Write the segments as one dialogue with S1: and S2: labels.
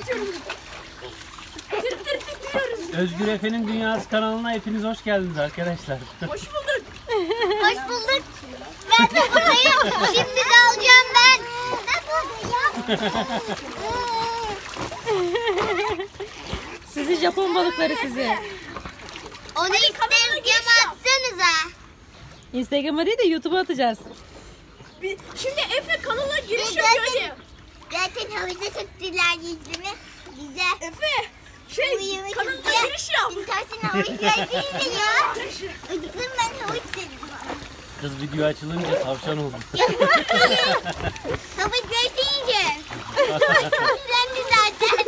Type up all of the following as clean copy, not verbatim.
S1: Özgür Efe'nin Dünyası kanalına hepiniz hoş geldiniz arkadaşlar.
S2: Hoş bulduk.
S3: Hoş bulduk. Ben de buradayım. Şimdi de alacağım ben.
S4: Sizi Japon balıkları sizi.
S3: Onu Instagram'a atsanıza.
S4: Instagram'a değil de YouTube'a atacağız.
S2: Şimdi Efe kanala giriş yapıyor diye.
S3: Zaten havuzda çektiler yüzümü. Güzel.
S2: Efe kanalına giriş yap.
S3: İntersin havuz geldiğinde ya. Ödüklerim ben havuz dedim.
S1: Kız video açılınca tavşan oldu.
S3: Havuz görseyince. Havuzlandı zaten.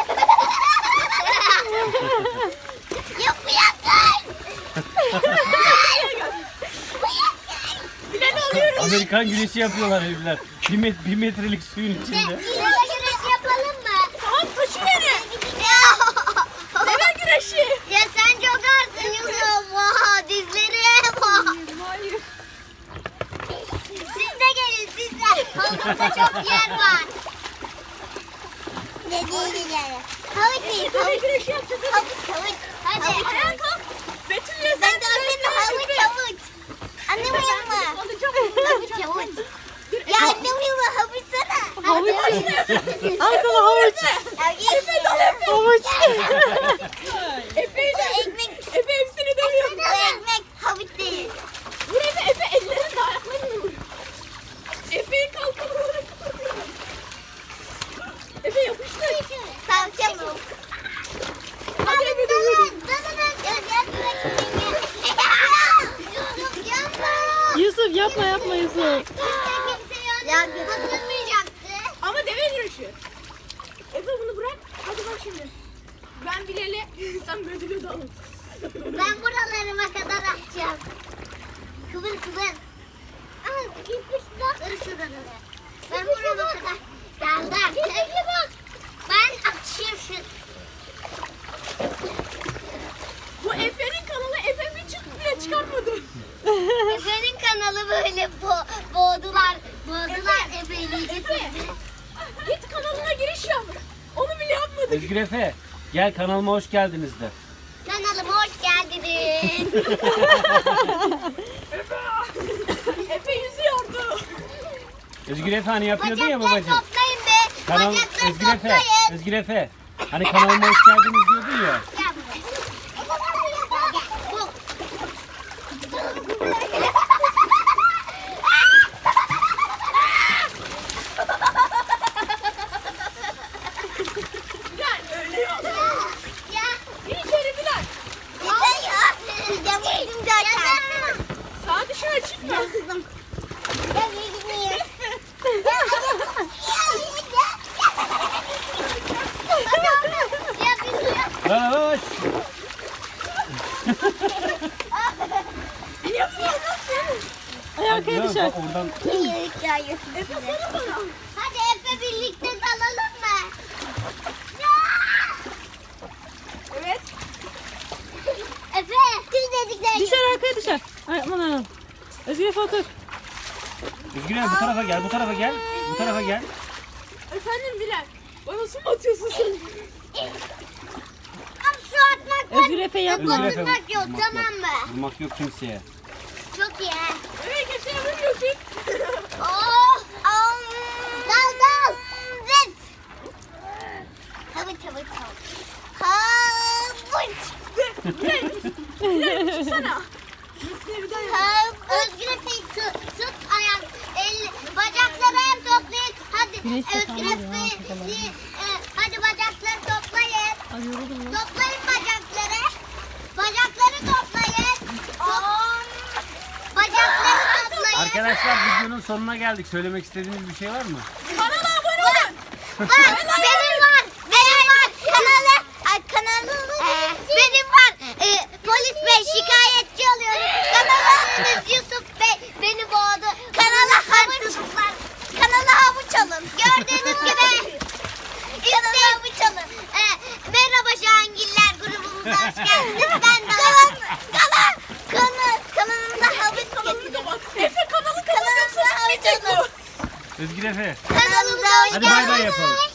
S3: Yok bu yakın.
S2: Bilen alıyoruz.
S1: Amerikan güneşi yapıyorlar evliler. Bir metrelik suyun içinde.
S3: Deve güreşi yapalım mı?
S2: Tamam taşı verin. Deve güreşi.
S3: Ya sen çok ağırsın Yusuf. Vah dizleri. Vah.
S2: Hayır.
S3: Siz de gelin siz de. Havuzda çok yer var. Ne değil yani. Havuz değil.
S2: Deve
S3: Havuz.
S2: güreşi yapacağız.
S3: Havuz. Hadi.
S2: Ayağa kalk. Betül'le
S3: Ben
S2: sen
S3: de annemle havuç. Anlamıyor musun? Havuç havuç. Ya anlamıyor musun? Havuç sana.
S4: Havuç. Al sana havuç. Havuç.
S2: Efe'yi de
S3: Ekmek.
S2: Efe hepsini dövüyor.
S3: Bu ekmek havuç değil.
S2: Vur Efe ellerini de ayaklarını vur. Efe'yi kalkalım. Efe yapıştır.
S3: Tavşan mı?
S2: Hadi Efe de vur.
S4: Yusuf yapma Yusuf.
S3: Ya batırmayacaktı.
S2: Ama deve güreşi. Efe bunu bırak. Hadi bak şimdi. Ben Bilal'e sen Betül'e dalın.
S3: Ben buralarıma kadar atacağım. Kıvır. Al gitmiş bak. Kır şuraları. Ben burama kadar geldim. Ben atayım şu.
S2: Bu Efe'nin kanalı Efe bir çıt bile çıkarmadı.
S3: Efe'nin kanalı böyle boğdular Efe'yi.
S2: Efe git kanalına giriş yap. Onu bile yapmadık.
S1: Özgür Efe gel kanalıma hoş geldiniz de.
S3: Kanalıma hoş geldiniz.
S2: Efe yüzüyordu.
S1: Özgür Efe hani yapıyordun ya
S3: Bacakları
S1: babacığım.
S3: toplayın be.
S1: Kanal
S3: Bacakları
S1: Özgür Efe.
S3: toplayın.
S1: Özgür Efe. Hani kanalıma hoş geldiniz diyordun ya.
S3: Gel buraya. Gel. Bu.
S2: Bilal öyle yok.
S3: Ya.
S2: Bir içeri Bilal.
S3: Yeter ya. Ya vurdum zaten.
S2: Sağa dışarı çıkma.
S3: Kızım. Ya gitmiyor. Ya bir suya.
S1: Hoş.
S4: Ay arkaya düşer.
S1: Bak oradan
S3: Hadi Efe birlikte dalalım mı?
S2: Evet.
S3: Efe, siz dedikleri
S4: Düşer arkaya düşer. Ay aman aman. Özgür Efe otur.
S1: Özgür Efe bu tarafa gel, bu tarafa gel. Bu tarafa gel.
S2: Efendim Bilal. Bana su mu atıyorsun sen?
S3: Su atmak var.
S4: Özgür Efe yapma.
S1: Özgür Efe
S3: Vurmak yok, tamam mı?
S1: Vurmak yok kimseye.
S3: Çok iyi.
S2: Evet kimseye vurmuyorsun.
S3: Oh, dal. Zıt. Havuç.
S2: Çıksana.
S3: Özgür Efe'yi tut ayak. Bacakları hem toplayın. Hadi
S4: Güneş de
S3: Özgür
S4: kalmadı ya,
S3: Efe'yi. Hadi bacakları toplayın.
S4: Ay yoruldum lan.
S3: Toplayın bacakları. Bacakları toplayın. Bacakları toplayın.
S1: Arkadaşlar videonun sonuna geldik. Söylemek istediğiniz bir şey var mı?
S2: Kanala abone olun.
S3: Benim var. Kanalı. Benim var. Polis bey şikayetçi oluyorum. Kanalımız Yusuf Bey beni boğdu. Kanala havuç alın. Gördüğünüz gibi. Kanala havuç alın. Merhaba Şahangiller grubumuza hoş geldiniz. Ben de kanalımda havuç getirdim.
S2: Efe kanalı
S3: Kanalımda havuç alın.
S1: Özgür Efe.
S3: Kanalımıza hoş
S1: Hadi bay bay
S3: geldiniz.
S1: yapalım.